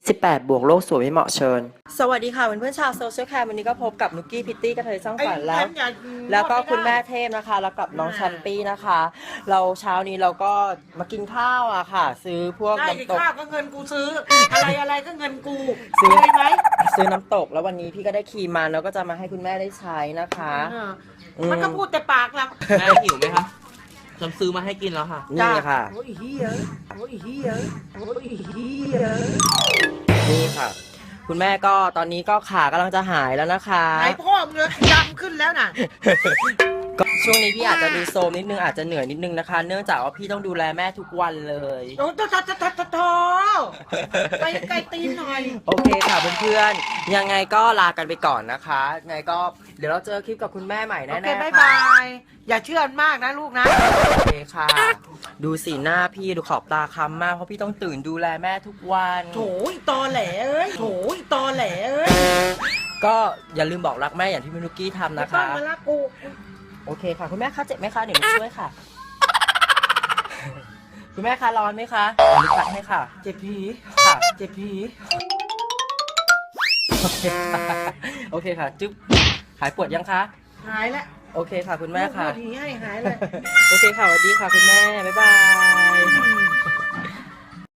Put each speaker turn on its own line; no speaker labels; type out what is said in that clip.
18 บวกโลกสวยไม่เหมาะเชิญสวัสดีค่ะเพื่อนๆชาวโซเชียลแคมวันนี้ก็พบกับนุกกี้พิตตี้กระเทยสร้างฝันแล้วก็คุณแม่เทพนะคะแล้วกับน้องชันปี้นะคะเราเช้านี้เราก็มากินข้าวอะค่ะซื้อพวกน้ำตก
ข้าวก็เงินกูซื้อ อะไรก็เงินกู
ซื้อ
เลยไหม
ซื้อน้ำตกแล้ววันนี้พี่ก็ได้ครีมมาแล้วก็จะมาให้คุณแม่ได้ใช้นะคะ
มันก็พูดแต่ปากแล้ว
แม่หิวไหมคะฉันซื้อมาให้กินแล้วค่ะ
นี่ค่ะ
โอ้ยเฮียโอ้ยเฮียโอ้ยเฮีย
นี่ค่ะ คุณแม่ก็ตอนนี้ก็ขากำลังจะหายแล้วนะคะ
ไหนพ่อมึงเลยดำขึ้นแล้วน่ะ
ก็ช่วงนี้พี่อาจจะดูโซมนิดนึงอาจจะเหนื่อยนิดนึงนะคะ เนื่องจากว่าพี่ต้องดูแลแม่ทุกวันเลย
โอ้โถไปไกลตีนหน่อย
โอเคค่ะเพื่อนๆยังไงก็ลากันไปก่อนนะคะยังไงก็เดี๋ยวเราเจอคลิปกับคุณแม่ใหม่
โอ
แน่ๆ
เค
ค่ะ
บายบาย อย่าเชื่อมากนะลูกนะ
โอเคค่ะ ดูสีหน้าพี่ดูขอบตาค้ำมากเพราะพี่ต้องตื่นดูแลแม่ทุกวัน
โถยตอแหลเอ้ยโถยตอแหลเอ้ย
ก็อย่าลืมบอกรักแม่อย่างที่พี่นุกกี้ทำ
ไม่
นะ
ต้อง
คะ
มาละกู
โอเคค่ะคุณแม่คะเจ็บไหมคะเดี๋ยวหนูช่วยค่ะ คุณแม่คะร้อนไหมคะเดี๋ยวหนูตัดให้ค่ะ
เจ็บผี
ค่ะ
เจ็บผี
โอเคค่ะโอเคค่ะจึ๊บหายปวดยังคะ
หายแล้ว
โอเคค่ะคุณแม่ค่ะ
พูดผีให้หายเลย
โอเคค่ะสวัสดีค่ะคุณแม่บ๊ายบาย